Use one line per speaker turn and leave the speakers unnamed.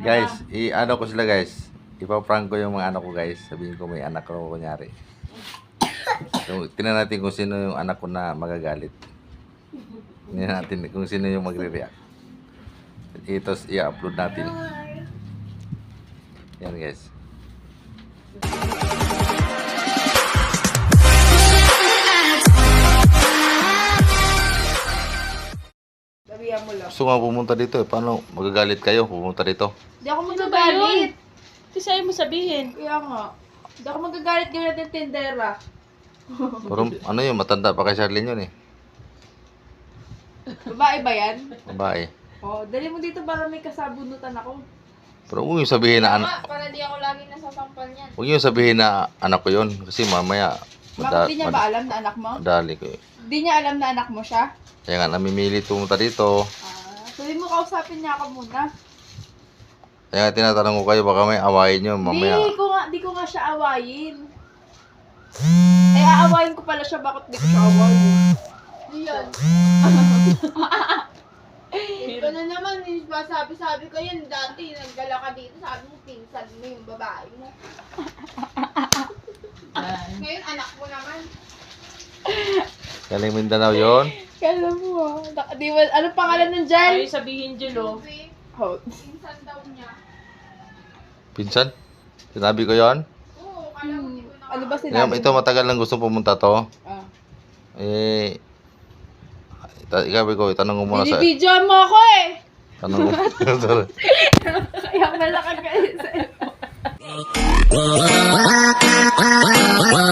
Guys, i-ano ko sila guys. Ipaprank ko yung mga anak ko guys. Sabihin ko may anak ko kunyari. So, tingnan natin kung sino yung anak ko na magagalit. Tingnan natin kung sino yung magre-react. Ito i-upload natin. Yan guys.
Sabihan mo lang.
Gusto nga pumunta dito eh. Paano magagalit kayo pumunta dito?
Hindi ako magagalit.
Kasi ayaw mo sabihin.
Kaya nga. Hindi ako magagalit gawin natin tindera.
Pero ano yun, matanda pa kay Charlene yun eh.
Babae ba yan?
Babae.
Oh, dali mo dito para may kasabunutan ako.
Pero huwag yung sabihin na anak.
Para di ako lagi nasasampal niyan.
Huwag yung sabihin na anak ko yun. Kasi mamaya
Bakit di niya ba alam na anak mo?
madali ko eh.
Di niya alam na anak mo siya?
Kaya nga namimilit pumunta dito.
Sabi mo kausapin niya ako muna.
Kaya nga tinatanong ko kayo baka may awayin nyo mamaya.
Di ko nga siya awayin. Eh, aawayin ko pala siya, bakit di ko siya awayin?
Yan. Ito na naman, sabi ko yan dati, naggala ka dito, sabi mo, pinsan mo yung babae mo. Ngayon, anak mo naman.
Galing Mindanao yun.
Kala mo di ba, ano pangalan ng dyan?
Ayaw sabihin, Julo.
Kasi,
Oh.
pinsan daw niya.
Pinsan? Sinabi ko yon.
Oo, kala mo di ko na.
Ano ba sinabi?
Ito matagal lang gusto pumunta to.
Ah.
Eh, ikaw ko, itanong ko muna sa...
Binibidyoan mo ako eh!
Tanong ko. Sorry.
Kaya malakad ka sa